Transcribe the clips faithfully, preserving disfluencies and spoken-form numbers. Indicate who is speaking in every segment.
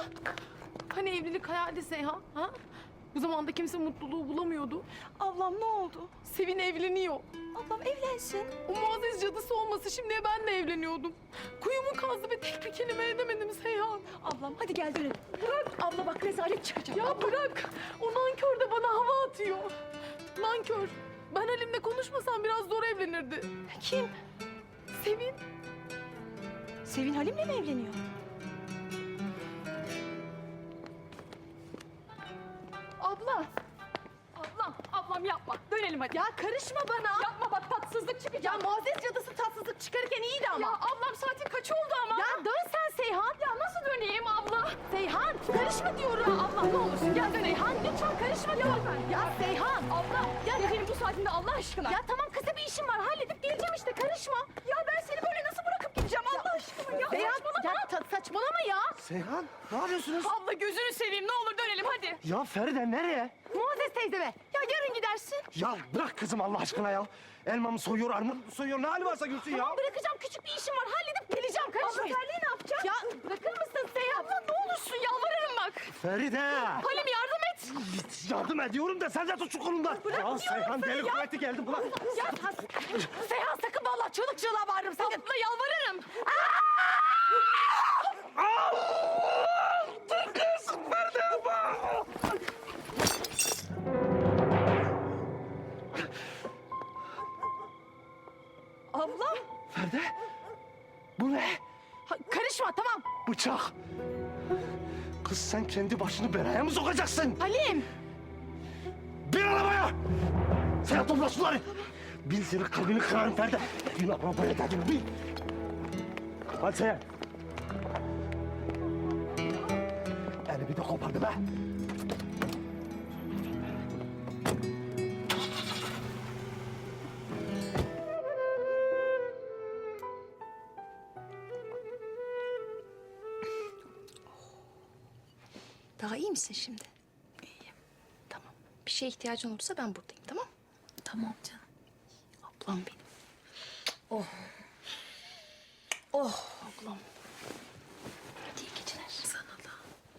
Speaker 1: Hani evlilik hayali Seyhan, ha? Bu zamanda kimse mutluluğu bulamıyordu.
Speaker 2: Ablam ne oldu?
Speaker 1: Sevin evleniyor.
Speaker 2: Ablam evlensin.
Speaker 1: O muazzez cadısı olması şimdiye ben de evleniyordum. Kuyumu kazdı ve tek bir kelime edemedim Seyhan.
Speaker 2: Ablam hadi gel dönelim. Bırak. Abla bak rezalet çıkacak.
Speaker 1: Ya bırak. O nankör de bana hava atıyor. Nankör. Ben Halim'le konuşmasam biraz zor evlenirdi.
Speaker 2: Kim?
Speaker 1: Sevin.
Speaker 2: Sevin Halim'le mi evleniyor?
Speaker 1: Abla. Ablam, ablam yapma. Dönelim hadi.
Speaker 2: Ya karışma bana.
Speaker 1: Yapma bak tatsızlık çıkacak.
Speaker 2: Ya muazzez cadısı tatsızlık çıkarırken iyiydi ama.
Speaker 1: Ya ablam saatin kaç oldu ama?
Speaker 2: Ya dön sen Seyhan.
Speaker 1: Ya nasıl döneyim abla?
Speaker 2: Seyhan karışma diyorum.
Speaker 1: Ya abla ne olursun gel döneyim.
Speaker 2: Seyhan lütfen karışma diyorum. Ya Seyhan.
Speaker 1: Abla gel gecenin bu saatinde Allah aşkına.
Speaker 2: Ya tamam kısa bir işim var halledip geleceğim işte karışma. Ya ben seni böyle nasıl bırakıp gideceğim Allah aşkına ya. Seyhan
Speaker 1: saçmalama.
Speaker 2: ya ta- saçmalama ya.
Speaker 3: Seyhan, ne yapıyorsunuz?
Speaker 1: Abla gözünü seveyim ne olur dönelim hadi.
Speaker 3: Ya Feride nereye?
Speaker 2: Muazzez teyzeme. Ya yarın gidersin.
Speaker 3: Ya bırak kızım Allah aşkına ya. Elmamı soyuyor, armudumu soyuyor. Ne hali varsa görsün ya.
Speaker 2: Tamam bırakacağım küçük bir işim var halledip geleceğim karışmayın. Abla terliği ne yapacağım? Ya bırakır mısın Seyhan?
Speaker 1: Abla ne olursun yalvarırım bak.
Speaker 3: Feride.
Speaker 1: Halim yardım et.
Speaker 3: Yardım ediyorum da sen de tut şu kolumdan. Ya Seyhan deli kuvveti geldi bırak.
Speaker 2: Ya Seyhan sakın vallahi çığlık çığlığa bağırırım sakın.
Speaker 1: Abla yalvarırım.
Speaker 3: Dur kız Feride yapma.
Speaker 2: Ablam.
Speaker 3: Feride. Bu ne?
Speaker 2: Ha, karışma tamam.
Speaker 3: Bıçak. Kız sen kendi başını belaya mı sokacaksın?
Speaker 2: Halim.
Speaker 3: Bin arabaya! Sen topla suları! Bin senin kalbini kırarım Feride. Bin arabaya dedim, bin! Hadi sen. Elimi de kopardım ha.
Speaker 4: Daha iyi misin şimdi? İyiyim. Tamam. Bir şeye ihtiyacın olursa ben buradayım, tamam? Tamam canım. Ablam benim. Oh. Oh ablam. Hadi iyi geceler. Sana da.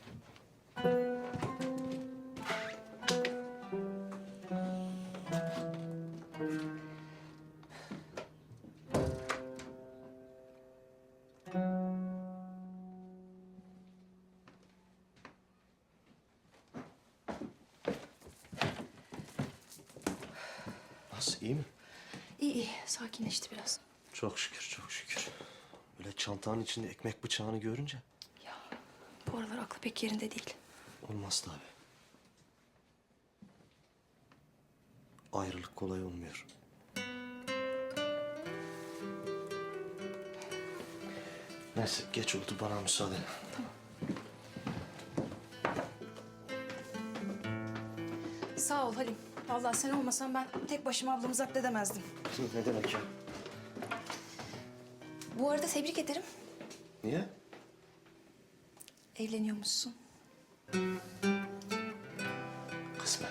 Speaker 3: Nasıl, iyi mi?
Speaker 4: İyi iyi. Sakinleşti biraz.
Speaker 3: Çok şükür, çok şükür. Böyle çantanın içinde ekmek bıçağını görünce
Speaker 4: Ya bu aralar aklı pek yerinde değil.
Speaker 3: olmaz tabii. Ayrılık kolay olmuyor. Neyse, geç oldu, bana müsaade.
Speaker 4: Sağ ol Halim. Vallahi sen olmasan ben tek başıma ablamı zapt edemezdim.
Speaker 3: Ne demek ya?
Speaker 4: Bu arada tebrik ederim.
Speaker 3: Niye?
Speaker 4: Evleniyormuşsun.
Speaker 3: Kısmet.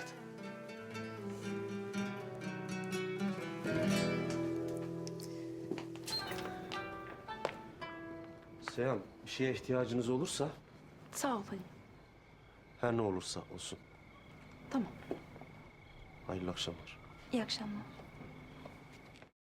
Speaker 3: Seyhan, bir şeye ihtiyacınız olursa
Speaker 4: Sağ ol Halim.
Speaker 3: her ne olursa olsun.
Speaker 4: Tamam.
Speaker 3: Hayırlı akşamlar.
Speaker 4: İyi akşamlar.